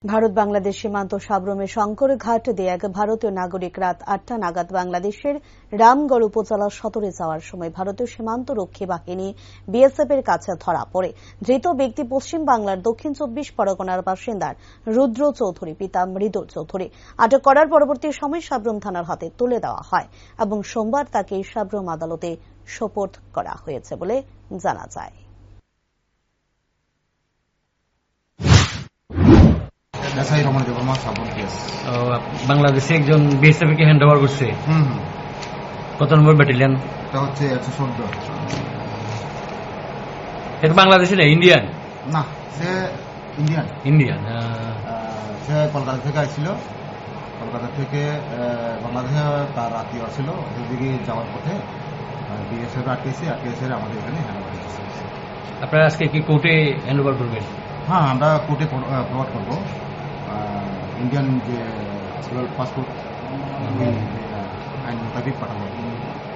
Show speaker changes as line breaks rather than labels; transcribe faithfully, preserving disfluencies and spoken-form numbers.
ভারত বাংলাদেশ সীমান্ত সাবরুমে শঙ্করঘাট দিয়ে এক ভারতীয় নাগরিক রাত আটটা নাগাদ বাংলাদেশের রামগড় উপজেলা সদরে যাওয়ার সময় ভারতীয় সীমান্ত রক্ষী বাহিনী বিএসএফ এর কাছে ধরা পড়ে। ধৃত ব্যক্তি পশ্চিম বাংলার দক্ষিণ চব্বিশ পরগনার বাসিন্দার রুদ্র চৌধুরী, পিতা মৃদুল চৌধুরী। আটক করার পরবর্তী সময় সাবরুম থানার হাতে তুলে দেওয়া হয় এবং সোমবার তাকে সাবরুম আদালতে সোপর্দ করা হয়েছে বলে জানা যায়।
বাংলাদেশে একজন বিএসএফ কে হ্যান্ড ওভার করছে। কত নম্বর ব্যাটালিয়ন?
হচ্ছে একশো চোদ্দ।
এটা বাংলাদেশে না, ইন্ডিয়ান?
না, সে ইন্ডিয়ান।
ইন্ডিয়ান।
সে কলকাতা থেকে আসছিল। কলকাতা থেকে বাংলাদেশে তার আত্মীয় ছিল, ওদিকে যাওয়ার পথে বিএসএফ আটকেছে, আটকেছে আমাদের এখানে হ্যান্ড ওভার করছে।
আপনারা আজকে কি কোর্টে হ্যান্ড ওভার করবেন?
হ্যাঁ, আমরা কোর্টে প্রভাব করবো। ইন্ডিয়ান যে পাসপোর্ট আইন মোতাবেক পাঠাবো।